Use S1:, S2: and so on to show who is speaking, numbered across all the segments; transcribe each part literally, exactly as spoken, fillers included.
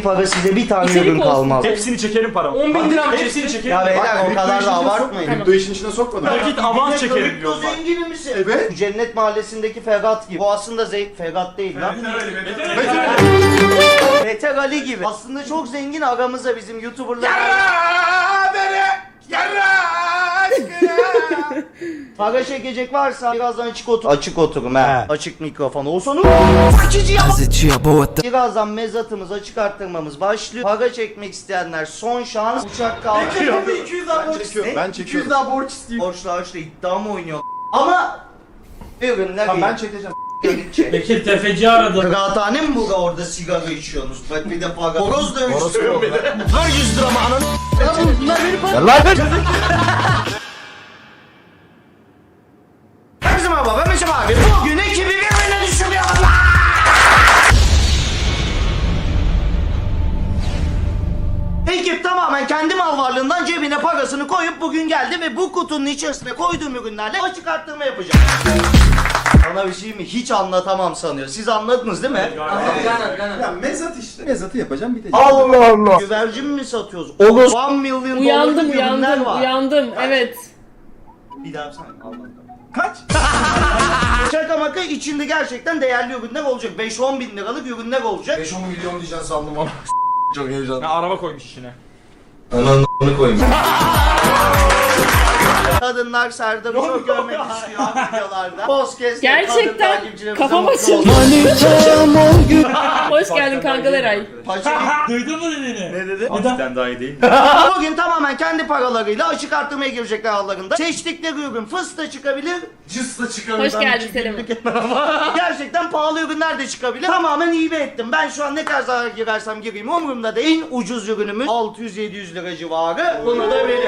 S1: para size bir tane
S2: İçerik
S1: ürün
S2: olsun.
S1: kalmaz.
S3: Hepsini çekerim paramı.
S4: on bin lira mı
S3: Hepsini
S4: çeksin?
S3: çekerim.
S1: Ya beyler o kadar da abartmayın.
S2: Tamam.
S4: Kripto işin içine sokmadım.
S3: Nakit avans çekerim diyorlar.
S1: Zengin misin?
S4: Evet.
S1: Cennet Mahallesi'ndeki Ferhat gibi. Bu aslında zey Ferhat değil lan. Beter Ali gibi. Aslında çok zengin, aramızda bizim YouTuber'lar.
S4: Yarra beni! Yarra aşkına!
S1: Para çekecek varsa birazdan açık otur. Açık oturum he. Açık mikrofon olsun. Birazdan mezatımız, açık arttırmamız başlıyor. Para çekmek isteyenler son şans. Uçak kalkıyor.
S4: iki yüz daha borç istiyorum. Ben çekiyorum. iki yüz daha borç isteyeyim.
S1: Borçlu harçlı iddia mı oynuyor? Ama ürünler
S4: Tamam
S1: iyi.
S4: ben çekeceğim.
S1: Gelince.
S5: Bekir tefeci aradı.
S1: Kıraathane mi bu orada sigara içiyorsunuz? Bak bir de para. Horoz dövüştürüyorum bir de.
S4: Ver yüz lira mı ananı?
S1: Bunlar beni para. Herkese merhaba ben Meşem abi. Bugün ekibi birbirine düşürüyorum lan. Ekip tamamen kendi mal varlığından cebine parasını koyup bugün geldi ve bu kutunun içerisine koyduğum ürünlerle açık arttırma yapacağım. Sana bir şey mi? Hiç anlatamam sanıyor. Siz anladınız değil mi?
S4: Ya mezat işte. Mezatı yapacağım bitecek.
S1: Allah Allah. Güvercin mi satıyoruz? Olur. one milyon
S2: Uyandım
S1: dolarlık ürünler
S2: uyandım
S1: var.
S2: uyandım evet.
S1: Bir daha sen Allah.
S4: Kaç?
S1: Şaka maka içinde gerçekten değerli ürünler olacak. beş on bin liralık ürünler olacak.
S4: beş on milyon diyeceksin sandım ama. Çok heyecanlı.
S3: Ha, araba koymuş içine.
S1: Ananı koyayım. Kadınlar Serdar'ı çok görmek istiyor videolarda. Podcast
S2: Gerçekten kafam açıldı. Hoş geldin kanka Eray.
S5: Duydun mu dediğini?
S1: Ne dedi?
S3: Hafiften daha iyi değil.
S1: Bugün tamamen kendi paralarıyla açık arttırmaya girecekler aralarında. Seçtikleri ürün fıstık çıkabilir.
S4: Cıs da çıkarım.
S2: Hoş geldin Selim.
S1: Gerçekten pahalı ürünler de çıkabilir. Tamamen hibe ettim. Ben şu an ne kadar zarar girersem gireyim umurumda değil. En ucuz ürünümüz altı yüz yedi yüz lira civarı. Bunu da verin.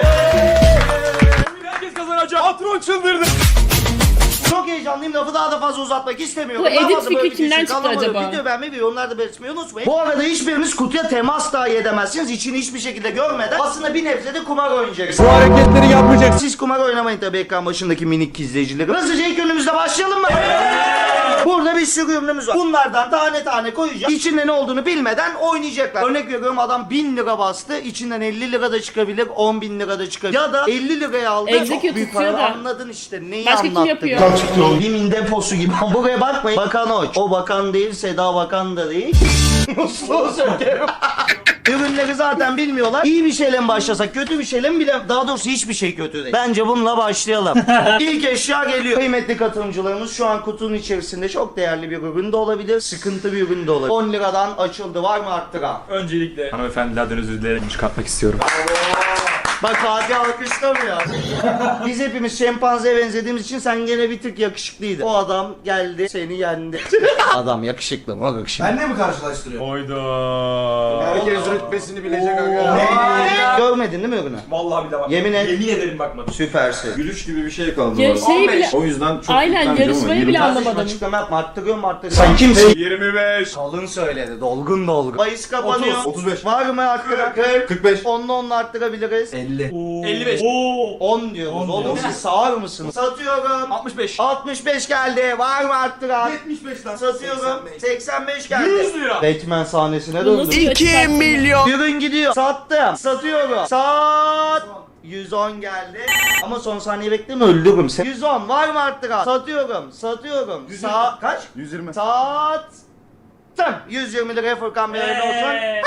S3: Herkes kazanacak. Patron çıldırdı.
S1: Çok heyecanlıyım. Lafı daha da fazla uzatmak istemiyorum.
S2: Bu edit
S1: Daha fazla
S2: fikri
S1: böyle
S2: kimden
S1: düşün,
S2: çıktı
S1: kalamadım.
S2: acaba?
S1: Video beğenmeyi ve yorumlarda belirtmeyi unutmayın. Bu arada hiçbiriniz kutuya temas dahi edemezsiniz. İçini hiçbir şekilde görmeden aslında bir nebze de kumar oynayacaksınız.
S3: Bu hareketleri yapmayacaksın.
S1: Siz kumar oynamayın tabii ekran başındaki minik izleyicilerim. Hızlıca ilk ürünümüzle başlayalım mı? Burada bir sürü ürünümüz var. Bunlardan tane tane koyacağım. İçinde ne olduğunu bilmeden oynayacaklar. Örnek veriyorum adam bin lira bastı. İçinden elli lira da çıkabilir, on bin lira da çıkabilir. Ya da elli liraya aldı.
S2: Execute
S1: Çok büyük
S2: tutuyor
S1: para.
S2: da.
S1: Anladın işte neyi
S2: Başka kim
S1: anlattık.
S2: yapıyor?
S1: Bimin deposu gibi. Buraya bakmayın. Bakan Oç. O bakan değil, Seda Bakan da değil. Musluğu sökerim. Ürünleri zaten bilmiyorlar. İyi bir şeyle mi başlasak, kötü bir şeyle mi bile... Daha doğrusu hiçbir şey kötü değil. Bence bununla başlayalım. İlk eşya geliyor. Kıymetli katılımcılarımız şu an kutunun içerisinde çok değerli bir ürün de olabilir. Sıkıntı bir ürün de olabilir. on liradan açıldı. Var mı arttıran?
S3: Öncelikle hanımefendilerden özür dilerim. Çıkartmak istiyorum.
S1: Bak Fatih alkışlamıyor. Biz hepimiz şempanzeye benzediğimiz için sen gene bir tık yakışıklıydın. O adam geldi seni yendi. Adam yakışıklı mı? Yakışıklı.
S4: Benle mi karşılaştırıyorsun?
S3: Oyda.
S4: Herkes rütbesini bilecek aga.
S1: Görmedin değil mi ürünü?
S3: Vallahi bir de bak.
S1: Yemin et.
S3: Yemin ederim bakmadım.
S1: Süpersin.
S4: Gülüş gibi bir şey kaldı.
S2: Ya
S4: orada.
S2: şeyi bile...
S4: O yüzden çok
S2: Aynen,
S4: yüklenmeyeceğim ama
S2: yarışmayı
S4: yirmi-
S2: bile
S1: Kardeşim
S2: anlamadım.
S1: açıklama yapma. Arttırıyorum arttırıyorum. Sen kimsin?
S3: yirmi beş.
S1: Kalın söyledi. Dolgun dolgun. Bayis kapanıyor.
S4: otuz, otuz beş.
S1: Var mı arttıran? kırk.
S4: kırk beş.
S1: Onla onla arttırabiliriz.
S4: elli.
S3: elli beş.
S5: Oo.
S1: on diyoruz. Oğlum siz sağır mısınız? Satıyorum.
S3: altmış beş.
S1: altmış beş geldi. Var mı arttıran?
S4: yetmiş beş lan.
S1: Satıyorum. seksen beş geldi.
S3: yüz lira.
S1: Batman sahnesine
S2: Bu nasıl
S1: döndüm.
S2: bir açık arttırma?
S1: Ürün gidiyor. Sattım. Satıyorum. Sat. yüz on geldi. Ama son saniye bekleme öldürürüm seni. yüz on var mı arttıran? Satıyorum. Satıyorum. Sa kaç?
S4: yüz yirmi.
S1: Sattım. yüz yirmi liraya Furkan Bey hayırlı olsun.
S5: Eee.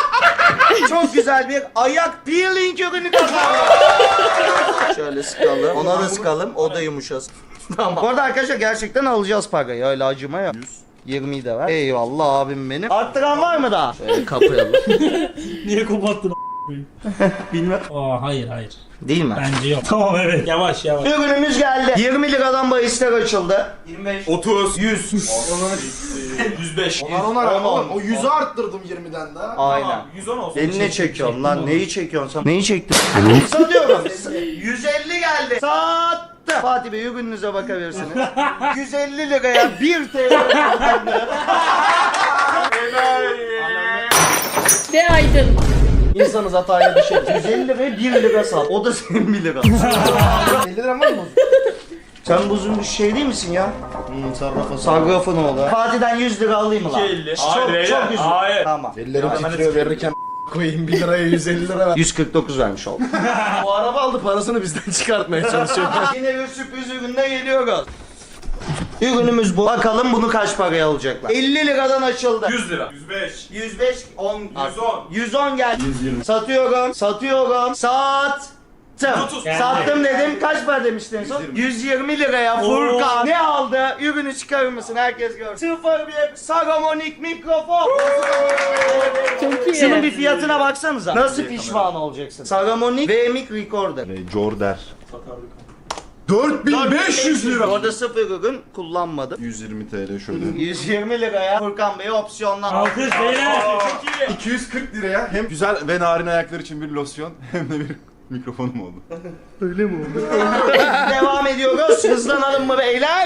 S1: Çok güzel bir ayak peeling ürünü kazandım. Şöyle sıkalım. Ona da sıkalım. O da yumuşasın. Tamam. Bu arada arkadaşlar gerçekten alacağız parayı. Öyle acıma yok. yirmiyi de ver. Eyvallah abim benim. Arttıran var mı daha? Şöyle kapayalım.
S5: Niye kopattın?
S1: Bilmem.
S5: Aa hayır hayır.
S1: Değil mi?
S5: Bence yok. Tamam evet. Yavaş yavaş.
S1: Ürünümüz geldi. yirmi liradan bahisler açıldı.
S3: yirmi beş. otuz. yüz. yüz beş.
S4: Onar onar
S1: On, on.
S4: oğlum. O yüzü arttırdım yirmiden daha.
S1: Aynen.
S3: yüz on olsun.
S1: Beni ne çekiyorsun lan? Neyi çekiyorsun sen? Neyi çektin? Satıyorum. yüz elli geldi. Sattım. Fatih Bey ürününüze bakabilirsiniz. yüz elli liraya bir T L.
S2: Ve aydın.
S1: İnsanız hataya düşer. yüz elli liraya bir lira sat. O da senin bir lira.
S4: elli lira var mı?
S1: Sen buzun bir şey değil misin ya?
S4: Hmm, sarrafa
S1: Sarrafın oğlu. Fatih'den yüz lira alayım mı lan?
S3: iki elli.
S1: Çok
S3: Hayır,
S1: çok
S3: beyler,
S1: üzüldüm.
S3: hayır.
S1: Tamam.
S4: Ellerim titriyor verirken koyayım bir liraya yüz elli lira ver.
S1: yüz kırk dokuz vermiş oldum.
S4: Bu araba aldı parasını bizden çıkartmaya çalışıyor.
S1: Yine bir sürpriz ürünle geliyoruz. Ürünümüz bu. Bakalım bunu kaç paraya alacaklar? elli liradan açıldı.
S3: yüz lira. yüz beş.
S1: yüz beş, on,
S3: yüz on.
S1: yüz on geldi.
S4: yüz yirmi.
S1: Satıyorum, satıyorum. Sattım.
S3: otuz.
S1: Sattım dedim. Kaç para demiştin en son? yüz yirmi liraya Furkan. Ne aldı? Ürünü çıkarır mısın? Herkes görsün. sıfır bir Saramonic mikrofon.
S2: Çok iyi.
S1: Şunun bir fiyatına baksanıza. Nasıl pişman olacaksın? Saramonic V M I C Recorder.
S4: Jorder. dört bin beş yüz lira.
S1: Orada sıfır ürün kullanmadım.
S4: yüz yirmi TL şöyle.
S1: yüz yirmi liraya Furkan Bey'e opsiyonlar.
S5: Alkış beyler.
S3: Çok iyi.
S4: iki yüz kırk liraya hem güzel ve narin ayaklar için bir losyon hem de bir mikrofonum oldu.
S1: Devam ediyoruz. Hızlanalım mı beyler?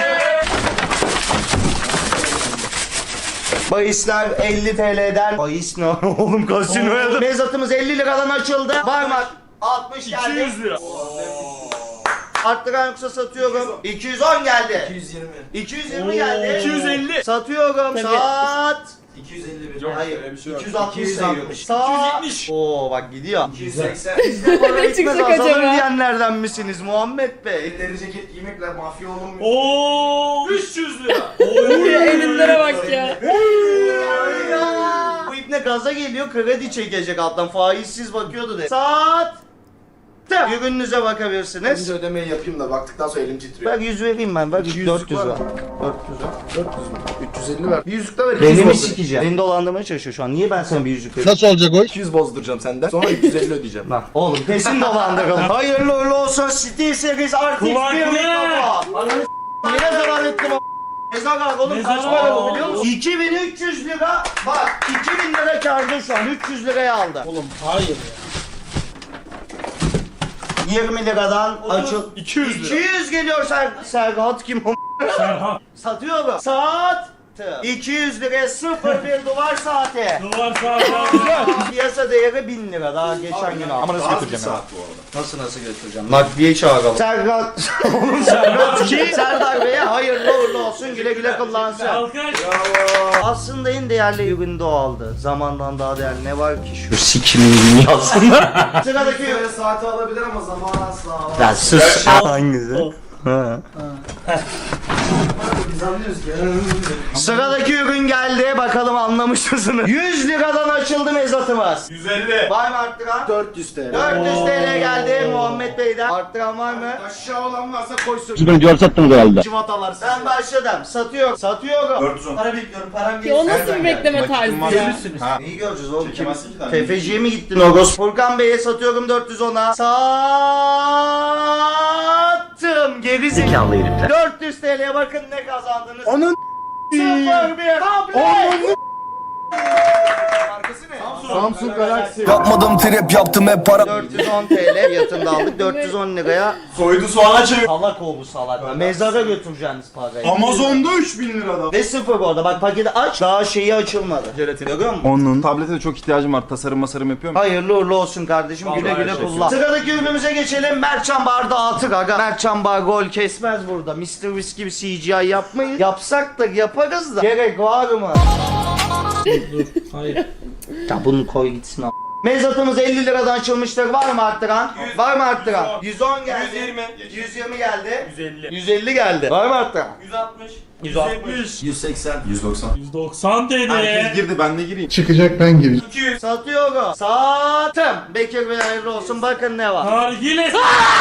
S1: Bahisler elli T L'den. Bahis ne oğlum kasinoya da. Mezatımız elli liradan açıldı. Parmak altmış geldi.
S3: iki yüz lira.
S1: Arttıran yoksa satıyorum. iki yüz on geldi.
S4: iki yüz yirmi.
S1: iki yüz yirmi geldi.
S3: iki yüz elli.
S1: Satıyorum.
S2: Tabii.
S1: Sat.
S4: iki yüz elli bir.
S3: Yok,
S1: Hayır.
S3: öyle bir şey yok.
S1: iki yüz altmış
S4: iki yüz
S1: sayıyormuş.
S4: altmış.
S1: Sat.
S3: iki yüz yetmiş.
S1: Oo bak gidiyor.
S4: iki yüz seksen.
S1: Para
S2: Ne
S1: gitmez
S2: çıkacak
S1: azalır
S2: acaba?
S1: diyenlerden misiniz Muhammed Bey?
S4: Elleri ceket giymekle mafya olunmuyor.
S5: Oo.
S3: üç yüz lira.
S2: Elinlere bak ya.
S1: Bu ipne gaza geliyor kredi çekecek alttan faizsiz bakıyordu de. Saat. Ürününüze bakabilirsiniz.
S4: Önce ödemeyi yapayım da baktıktan sonra elim titriyor.
S1: Ben yüz vereyim ben. Bak
S4: yüzlük
S1: dört yüz
S4: var
S1: var.
S4: mı?
S1: dört yüz var.
S4: dört yüz mü? üç yüz elli ver. Bir yüzlük de ver. iki yüz
S1: Beni mi
S4: bozdur-
S1: sikeceğim? Beni dolandırmaya çalışıyor şu an. Niye ben sana bir yüzlük vereyim?
S4: Nasıl olacak o? iki yüz bozduracağım senden. Sonra üç yüz elli ödeyeceğim.
S1: Lan oğlum kesin dolandıralım. Hayırlı uğurlu olsun Steel Series R T X bir
S5: Kulaklık.
S1: mikrofon. Ananı s***. Yine zaman ettim o. Mezar al oğlum kaç
S5: Mezar
S1: para
S5: al.
S1: bu biliyor musun? iki bin üç yüz lira. Bak iki bin lira kârda şu an. üç yüz liraya aldı.
S5: Oğlum hayır ya.
S1: yirmi liradan açıl.
S3: iki yüz lira.
S1: iki yüz geliyor Ser Serhat kim o?
S5: Serhan.
S1: Satıyorum. Saat. iki yüz liraya sıfır bir duvar saati.
S5: Duvar sağ sağ.
S1: Piyasa değeri bin lira daha geçen gün aldım.
S4: Ama nasıl götüreceğim saat bu arada?
S1: Nasıl nasıl götüreceğim? Nakliye çağıralım. Serhat. Oğlum Serhat ki Serdar Bey'e hayırlı uğurlu olsun güle güle kullansın.
S5: Alkış.
S1: Aslında en değerli ürün de o aldı. Zamandan daha değerli ne var ki şu sikimin dünyasında. Sıradaki ürün.
S4: Böyle saati alabilir ama zaman asla alamaz.
S1: Ya sus. Hangisi? Ha.
S4: Biz anlıyoruz ki.
S1: Sıradaki ürün geldi. Bakalım anlamış mısınız? yüz liradan açıldı mezatımız.
S3: yüz elli.
S1: Var mı arttıran?
S4: dört yüz TL.
S1: dört yüz T L geldi Muhammed Bey'den. Arttıran var mı?
S4: Aşağı olan varsa koysun.
S6: Siz beni diyor sattınız herhalde.
S4: Civatalar siz.
S1: Ben başladım. Satıyorum. Satıyorum.
S3: dört yüz on.
S1: Para bekliyorum. Param
S2: Ya o
S1: gelirse.
S2: nasıl bir bekleme tarzı ya?
S3: Ha.
S1: İyi göreceğiz oğlum. Kim?
S3: Çekemezsin ki daha.
S1: Tefeciye mi gittin Ogos? Furkan Bey'e satıyorum dört yüz ona. Sattım. Geri zekalı herifler. dört yüz T L'ye bakın ne kazandınız.
S4: Onun
S1: sıfır bir tablet.
S4: markası ne? Samsung Galaxy.
S6: Yapmadım trip yaptım hep para.
S1: dört yüz on T L fiyatında aldık. dört yüz on liraya
S3: Soydu soğana çevir.
S1: salak o bu salak. Mezara götüreceğiniz parayı.
S4: Amazon'da üç bin liradan.
S1: Ve sıfır orada. Bak paketi aç. Daha şeyi açılmadı. Jelatin görüyor musun?
S7: Onun tablete de çok ihtiyacım var. Tasarım masarım yapıyorum.
S1: Hayırlı uğurlu olsun kardeşim. Güle
S3: Vallahi
S1: güle
S3: teşekkür
S1: kullan. Sıradaki ürünümüze geçelim. Mertcan Bar dağıtık aga. Mertcan Bar gol kesmez burada. mister Whisk gibi C G I yapmayız. Yapsak da yaparız da. Gerek var mı?
S5: Dur. Hayır.
S1: Ya bunu koy gitsin a**. Mezatımız elli liradan açılmıştır. Var mı arttıran? Var mı arttıran? yüz on geldi.
S3: yüz yirmi.
S1: yüz yirmi geldi.
S3: yüz elli.
S1: yüz elli geldi. Var mı arttıran?
S3: yüz altmış.
S1: yüz
S3: yüz
S1: altmış.
S3: yetmiş.
S4: yüz seksen.
S7: yüz doksan.
S5: yüz doksan
S7: Herkes
S5: dedi.
S7: girdi ben de gireyim.
S4: Çıkacak ben gireceğim.
S3: iki yüz.
S1: Satıyorum. Sattım. Bekir Bey hayırlı olsun. Bakın ne var.
S5: Nargile.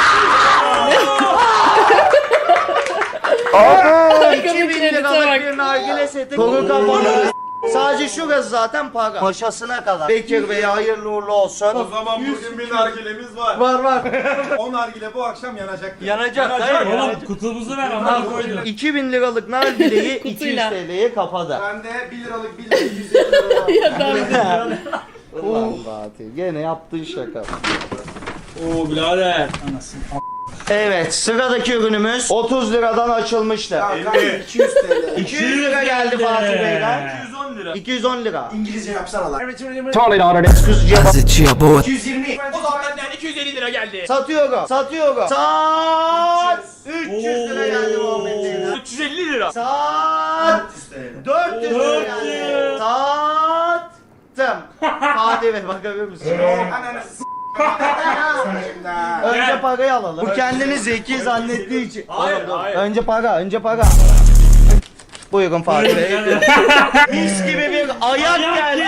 S1: iki bin liralık bir nargile seti. Kolu kapalı. Sadece şurası zaten para. Maşasına kadar. Bekir Bey hayırlı uğurlu olsun.
S3: O zaman bugün bir nargilemiz var.
S1: Var var.
S3: O nargile bu akşam yanacak.
S1: Yanacak. Hayır.
S5: Oğlum kutumuzu ver ama koydum.
S1: iki bin liralık nargileyi iki yüz
S2: Kutuyla.
S1: T L'ye kapadı.
S4: Bende bir liralık bir lira yüz elli lira var.
S2: Ya tamam.
S1: Ulan Fatih gene yaptığın şaka.
S5: Oo birader. Anasını.
S1: Evet sıradaki ürünümüz otuz liradan açılmıştı.
S4: Ya kanka iki yüz TL.
S1: iki yüz lira geldi Fatih Bey'den.
S3: iki yüz on lira.
S1: iki yüz on lira.
S4: İngilizce yapsana lan.
S1: Excuse
S6: That's it, yeah boy.
S4: iki yüz yirmi.
S3: O zaman benden iki yüz elli lira geldi.
S1: Satıyorum. Satıyorum. Sat. üç yüz lira geldi Muhammed Bey'den.
S3: üç yüz elli lira.
S1: Sat. dört yüz lira geldi. Sattım. Fatih Bey bakabilir misin? Önce parayı alalım. Bu kendini zeki zannettiği için.
S3: Hayır,
S1: Oğlum, dur.
S3: hayır.
S1: Önce para, önce para. Buyurun Fatih Bey. Mis gibi bir ayak geldi.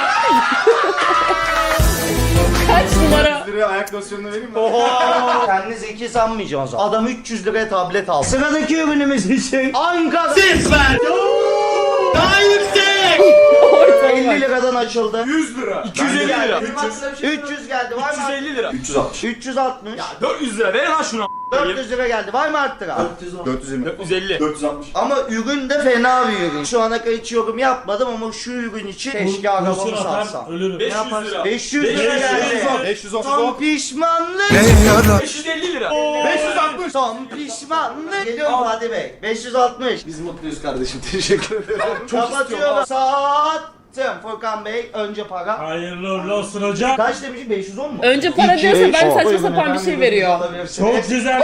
S2: Kaç numara?
S4: Liraya ayak losyonunu vereyim mi?
S1: Oho. Kendini zeki sanmayacağım o zaman. Adam üç yüz liraya tablet aldı. Sıradaki ürünümüz için Ankara Sisler. Daha yüksek. elli liradan açıldı.
S3: yüz lira. iki yüz elli lira.
S1: üç yüz geldi. Var
S3: üç yüz
S1: mı?
S3: elli lira.
S4: üç yüz altmış.
S1: üç yüz altmış.
S3: dört yüz lira. Verin lan şunu.
S1: dört yüz lira geldi. Var mı arttıran?
S4: dört yüz elli.
S3: dört yüz elli.
S4: dört yüz altmış.
S1: Ama ürün de fena bir ürün. Şu ana kadar hiç yorum yapmadım ama şu ürün için keşke arabamı
S5: Kurşun atar,
S1: satsam.
S5: ölürüm.
S3: beş yüz lira.
S1: beş yüz lira geldi.
S4: beş yüz otuz
S1: Son
S4: on.
S1: pişmanlık.
S3: beş yüz elli lira.
S4: beş yüz altmış.
S1: Son pişmanlık. Geliyorum Fatih Bey. beş yüz altmış.
S4: Biz mutluyuz kardeşim. Teşekkür ederim.
S1: Kapatıyorum. Sattım. Furkan Bey önce para.
S5: Hayırlı uğurlu olsun hocam.
S1: Kaç demişim? beş yüz on mu?
S2: Önce para
S1: İki,
S2: diyorsa
S1: beş,
S2: ben
S1: on.
S2: saçma
S1: Buyurun
S2: sapan bir
S1: efendim,
S2: şey
S1: ürünü
S2: veriyor.
S1: alabilirsiniz.
S5: Çok güzel.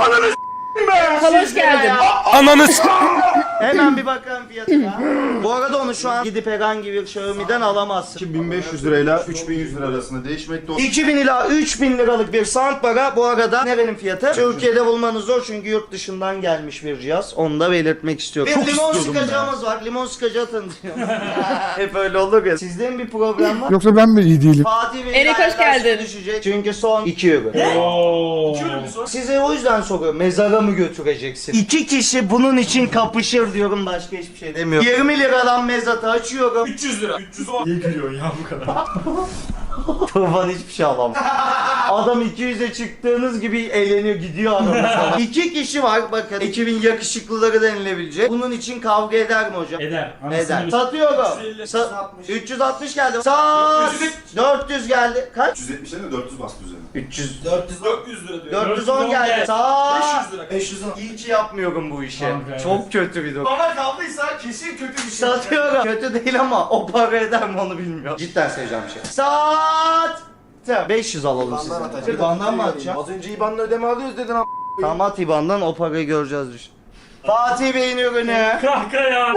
S2: Hoş geldin.
S6: Ananı s***.
S1: Hemen bir bakalım fiyatına. Bu arada onu şu an gidip herhangi bir Xiaomi'den alamazsın.
S4: bin beş yüz lirayla üç bin yüz lira arasında değişmekte olan.
S1: iki bin ila üç bin liralık bir soundbar'a bu arada nerenin fiyatı? Türkiye'de bulmanız zor çünkü yurt dışından gelmiş bir cihaz. Onu da belirtmek istiyorum. Bir limon sıkacağımız var. Limon sıkacağı tanıtıyorum. Hep öyle olur ya. Sizde mi bir problem var?
S6: Yoksa ben mi iyi değilim?
S1: Fatih Bey
S2: Erik, hoş geldin.
S1: düşecek. Çünkü son iki ürün.
S5: Oo.
S1: Size o yüzden soruyorum. Mezara mı götüreceksin? İki kişi bunun için kapışır diyorum. Başka hiçbir şey demiyorum. yirmi liradan mezatı açıyorum.
S3: üç yüz lira. üç yüz on.
S5: Niye gülüyorsun ya bu kadar?
S1: Tufan hiçbir şey alamam. Adam iki yüze çıktığınız gibi eğleniyor gidiyor adam sana. İki kişi var bakın. Ekibin yakışıklıları denilebilecek. Bunun için kavga eder mi hocam?
S5: Eder. Anasını
S1: Eder.
S5: bir-
S1: Satıyorum.
S3: üç yüz elli.
S1: Sa- üç yüz altmış geldi. Sat. dört yüz geldi. Kaç?
S4: üç yüz yetmiş lira dört yüz bastı üzerine.
S1: üç yüz.
S3: dört yüz dört yüz lira diyor.
S1: dört yüz on geldi.
S3: beş
S1: Sat.
S3: yüz lira.
S1: beş yüz on. İyi ki yapmıyorum bu işi.
S5: Kanka, evet.
S1: Çok kötü bir durum.
S3: Bana kaldıysa kesin kötü bir şey.
S1: Satıyorum. Kötü değil ama o para eder mi onu bilmiyorum. Cidden seveceğim bir şey. Sat. beş yüz alalım size. İban'dan mı atacağım?
S4: Az önce İBAN'la ödeme alıyoruz dedin ama.
S1: Tamam at İban'dan o parayı göreceğiz düşün. Fatih Bey'in ürünü.
S5: Kanka ya.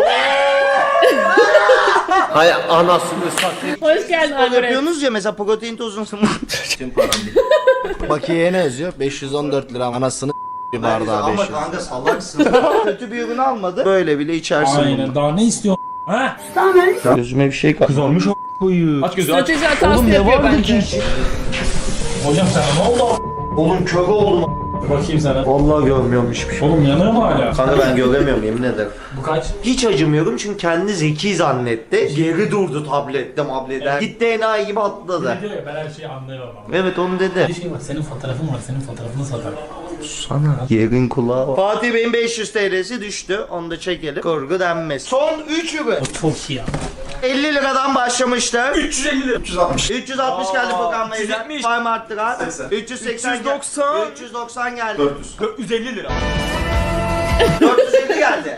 S6: Hay anasını satayım.
S2: Hoş geldin
S1: Böyle
S2: Alvarez.
S1: yapıyorsunuz ya mesela protein tozunu.
S8: Bakiyeye ne yazıyor? beş yüz on dört lira anasını bir bardağı beş
S1: Ama
S8: yüz.
S1: kanka salaksın. Kötü bir ürün almadı. Böyle bile içersin bunu.
S5: Aynen. Daha ne istiyorsun? Ha?
S1: Gözüme bir şey kızarmış o koyu.
S3: Aç gözü aç.
S2: Strateji hatası
S1: Oğlum ne
S2: yapıyor
S1: vardı
S2: bence.
S1: ki?
S5: Hocam sana ne oldu?
S1: Oğlum kör oldum.
S5: Bakayım sana.
S1: Vallahi görmüyorum hiçbir şey.
S5: Oğlum yanıyor mu hala?
S1: Kanka ben göremiyorum yemin ederim.
S5: Bu kaç?
S1: Hiç acımıyorum çünkü kendini zeki zannetti. Geri durdu tablette mableden. Gitti enayi gibi atladı.
S5: Ne diyor ya ben her şeyi anlıyorum ama.
S1: Evet onu dedi.
S5: Bir şey var senin fotoğrafın var senin fotoğrafını satar.
S1: Yerin kulağı var. Fatih Bey'in beş yüz T L'si düştü. Onu da çekelim. Kurgu denmez. Son üç ürün.
S5: O çok iyi ya.
S1: elli liradan başlamıştı.
S3: üç yüz elli lira.
S4: üç yüz altmış.
S1: üç yüz altmış geldi Furkan
S3: üç yüz
S1: Bey'den.
S3: yetmiş.
S1: Var mı arttıran?
S4: seksen.
S1: üç yüz seksen
S3: üç yüz doksan.
S1: geldi. üç yüz doksan geldi.
S4: dört yüz.
S3: dört yüz elli lira.
S1: dört yüz elli geldi.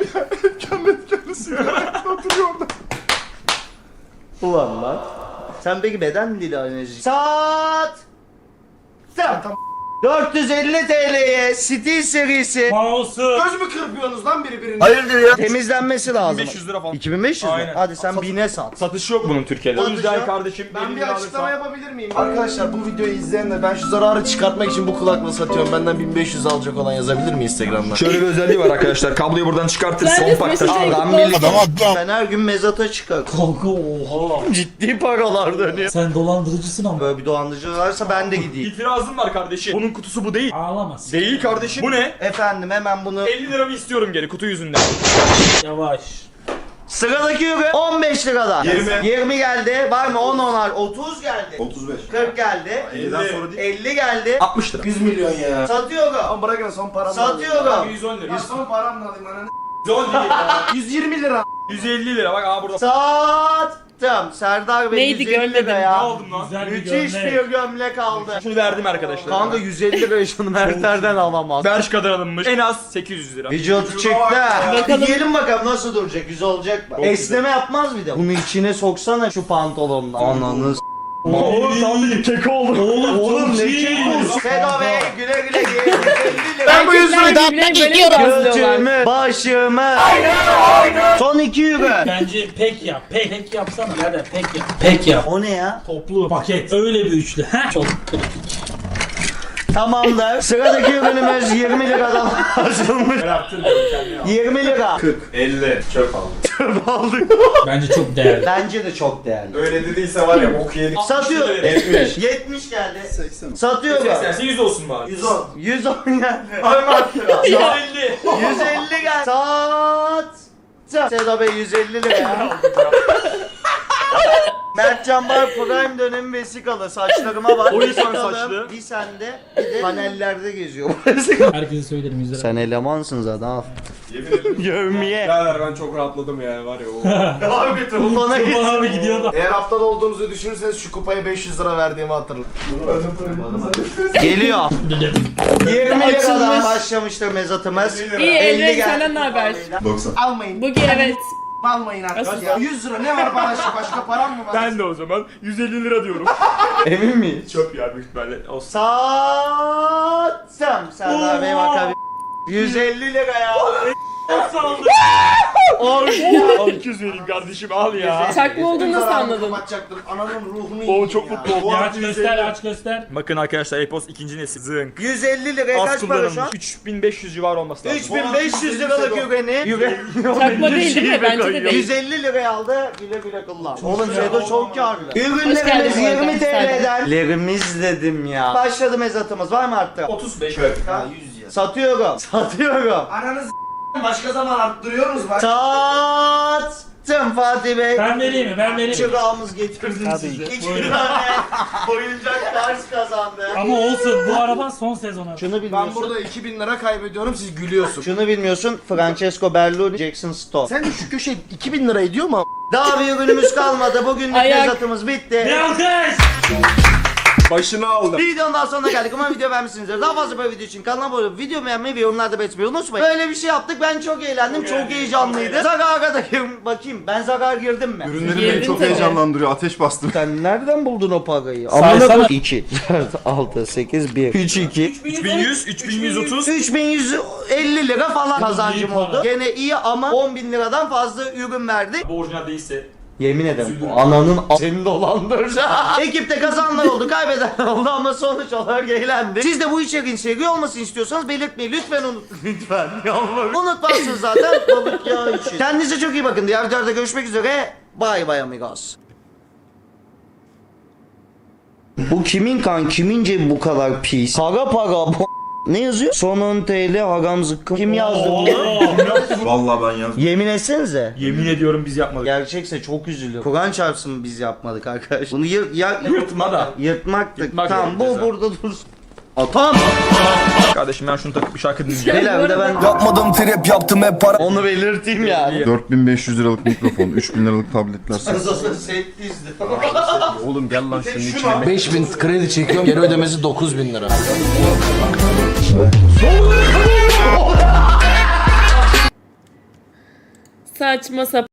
S1: Ulan lan. Sen peki beden dili analizi. Saat. Tamam. dört yüz elli T L'ye Steel serisi
S5: Mouse'u.
S3: Göz mü kırpıyorsunuz lan birbirine?
S1: hayırdır ya temizlenmesi lazım.
S3: beş yüz lira falan.
S1: iki bin beş yüz mü?
S3: Aynen.
S1: Hadi sen bine sat.
S3: Satış yok bunun Türkiye'de. O
S1: Satış
S3: yüzden
S1: yok.
S3: kardeşim
S8: Ben
S3: elli
S8: bir
S3: lira
S8: açıklama
S3: alırsan-
S8: yapabilir miyim? Arkadaşlar bu videoyu izleyenler ben şu zararı çıkartmak için bu kulaklığı satıyorum. Benden bin beş yüz alacak olan yazabilir mi Instagram'dan?
S3: Şöyle bir özelliği var arkadaşlar. Kabloyu buradan çıkartır
S2: Ben
S3: son
S2: de
S3: pakta.
S2: mesajı
S1: Adam
S2: kutlu
S1: bilir.
S2: olsun.
S1: Ben her gün mezata çıkar.
S5: Kanka oha.
S1: Ciddi paralar dönüyor.
S5: Sen dolandırıcısın ama.
S1: Böyle bir dolandırıcı varsa ben de gideyim.
S3: İtirazım var kardeşim. Bunun kutusu bu değil.
S5: Ağlamaz.
S3: Değil kardeşim. Bu ne?
S1: Efendim hemen bunu.
S3: elli liramı istiyorum geri kutu yüzünden.
S5: Yavaş.
S1: Sıradaki ürün on beş liradan.
S4: yirmi.
S1: yirmi geldi. Var mı on onar? otuz geldi.
S4: otuz beş.
S1: kırk geldi.
S4: elliden sonra değil.
S1: elli geldi.
S3: altmış lira.
S8: yüz milyon ya.
S1: Satıyorum.
S8: Ama bırakın son paramı
S1: Satıyorum.
S3: yüz on lira.
S8: Ya son paramla alayım ananı.
S3: yüz on değil ya.
S8: yüz yirmi lira.
S3: yüz elli lira bak aa burada.
S1: Sattım. Serdar Bey
S2: Neydi,
S1: yüz elli lira
S2: görmedim.
S3: Ne
S1: ya.
S3: aldım lan?
S5: Güzel bir
S1: Müthiş
S5: gömlek.
S1: bir gömlek aldı.
S3: Şunu verdim arkadaşlar.
S1: Kanka yüz elli lira şunu Mertler'den alamaz.
S3: Bershka'dan alınmış. En az sekiz yüz lira.
S1: Vücut çıktı.
S2: Bakalım.
S1: Giyelim bakalım nasıl duracak, güzel olacak mı? Esneme yapmaz bir de. Bunu içine soksana şu pantolondan. Ananı s-
S3: Oğlum tam bir kek oldu.
S5: Oğlum,
S1: Oğlum
S5: çok
S1: ne
S5: iyi.
S1: kek olsun. Sedo Bey güle güle giyin.
S2: Ben bu yüzden birbirine böyle yazıyorlar.
S1: Götümü, başımı. Son iki euro.
S5: Bence pek yap. Pek, pek yapsana. Hadi pek yap. Pek yap.
S1: O ne ya?
S5: Toplu paket. Öyle bir üçlü. Heh. Çok kritik.
S1: Tamamdır. Sıradaki ürünümüz yirmi liradan açılmış. yirmi lira.
S3: elli çöp aldım.
S5: Bence çok değerli.
S1: Bence de çok değerli.
S3: Öyle dediyse var ya bok yedik.
S1: Satıyor.
S3: yetmiş.
S1: yetmiş geldi.
S4: seksen.
S1: Satıyorum.
S3: seksen yüz olsun bari.
S1: yüz on. yüz on geldi. yüz elli. yüz elli geldi. Sat. Sedo Bey yüz elli lira. Mertcan Bar Prime dönemi vesikalı. Saçlarıma bak.
S3: O insan
S1: Vesikalı.
S3: saçlı.
S1: Bir sende bir de panellerde geziyor.
S5: Herkese söylerim yüzlere.
S1: Sen elemansın zaten al.
S3: Yemin ederim.
S1: Yövmiye.
S3: Birader ben çok rahatladım ya var ya o.
S1: Abi bana git.
S5: Kurban abi gidiyor da.
S8: Eğer haftada olduğumuzu düşünürseniz şu kupaya beş yüz lira verdiğimi hatırlayın.
S1: Geliyor.
S5: Dedim.
S1: yirmi liradan
S2: Açılmış.
S1: başlamıştır mezatımız.
S2: İyi
S1: elli
S2: Emre
S1: geldi.
S2: senden ne haber?
S4: doksan.
S8: Almayın.
S2: Bugün evet.
S8: Almayın artık ya. yüz lira ne var başka başka param mı var?
S3: Ben de o zaman yüz elli lira diyorum.
S1: Emin miyiz?
S3: Çöp ya büyük ihtimalle. Olsun.
S1: Satsam. Serdar Bey bakabilir. yüz elli lira ya.
S3: Al iki yüz vereyim kardeşim al ya.
S2: Çakma olduğunu nasıl anladın?
S8: Kapatacaktım. Ananın ruhunu
S3: O
S8: yiyeyim
S3: çok
S8: ya.
S3: mutlu oldum.
S5: Ya aç göster aç göster.
S3: Bakın arkadaşlar Epos ikinci nesil zınk.
S1: yüz elli liraya
S3: Az
S1: kaç para şu an?
S3: kullanılmış. üç bin beş yüz civarı olması lazım.
S1: üç bin beş yüz liralık yüreğini. Yüreği.
S2: Çakma değil değil mi? Bence de değil.
S1: yüz elli liraya aldı. Güle güle kullan. Oğlum
S5: güzel.
S1: Sedo çok karlı.
S2: Hoş geldin
S1: Ürünlerimiz
S2: bu arada.
S1: yirmi T L'den. Lerimiz dedim ya. Başladı mezatımız. Var mı arttı?
S3: otuz beş çöp.
S8: Ha yüz ya.
S1: Satıyorum. Satıyorum.
S8: Ananız başka zaman arttırıyoruz bak.
S1: Sattım Fatih Bey.
S5: Ben vereyim mi? Ben vereyim mi?
S1: Çırağımız getirdim size. İki tane oyuncak ders kazandı.
S5: Ama olsun bu araba son sezonu.
S1: Şunu bilmiyorsun.
S8: Ben burada iki bin lira kaybediyorum siz gülüyorsunuz.
S1: Şunu bilmiyorsun. Francesco Berluni, Jackson Stone.
S8: Sen de şu köşe iki bin lira ediyor mu?
S1: Daha bir ürünümüz kalmadı. Bugünlük
S2: Ayak.
S1: mezatımız bitti.
S5: Bir alkış.
S3: Başını aldım.
S1: Videonun daha sonuna geldik. Umarım video beğenmişsinizdir. Daha fazla böyle video için kanalıma abone olup video beğenmeyi ve yorumlarda belirtmeyi unutmayın. Böyle bir şey yaptık. Ben çok eğlendim. Çok heyecanlıydı. Zarara da gir- bakayım. Ben zarar girdim mi?
S4: Ürünlerim
S2: Girdin
S4: beni çok
S2: tabii.
S4: heyecanlandırıyor. Ateş bastım.
S1: Sen nereden buldun o parayı?
S5: Saysana.
S1: iki, dört, altı, sekiz, bir, üç, iki.
S3: üç bin yüz, üç bin yüz otuz.
S1: üç bin yüz elli lira falan kazancım
S5: iyi
S1: oldu.
S5: para.
S1: Gene iyi ama on bin liradan fazla ürün verdi.
S3: Bu orijinal değilse.
S1: Yemin ederim ananın a- seni dolandıracak. Ekipte kazananlar oldu, kaybedenler oldu ama sonuç olarak eğlendi. Siz de bu içeriğin seri olmasını istiyorsanız belirtmeyi lütfen unut. Lütfen yalvarırım. Unutmazsınız zaten balık yağı için. Kendinize çok iyi bakın. Diğer videolarda görüşmek üzere. Bye bye amigos. Bu kimin kan? Kimin cebi bu kadar pis? Para para. bu- Ne yazıyor? Son on T L hagam zıkkım. Kim yazdı bunu?
S4: Vallahi ben yazdım.
S1: Yemin etsenize.
S3: Yemin ediyorum biz yapmadık.
S1: Gerçekse çok üzülüyorum. Kur'an çarpsın biz yapmadık arkadaş. Bunu yır, ya,
S3: Yırtma da.
S1: yırtmaktık.
S3: Yırtmak
S1: tamam
S3: yok
S1: bu
S3: ceza.
S1: burada dursun. Atam.
S3: Kardeşim ben şunu takıp bir şarkı dinleyeceğim.
S1: Beyler bir de ben
S6: Yapmadım trip yaptım hep para.
S1: onu belirteyim yani.
S4: dört bin beş yüz liralık mikrofon, üç bin liralık tabletler.
S1: Set dizdi.
S6: Oğlum gel lan şunun içine. beş bin kredi çekiyorum. Geri ödemesi dokuz bin lira.
S2: Saçma sapan.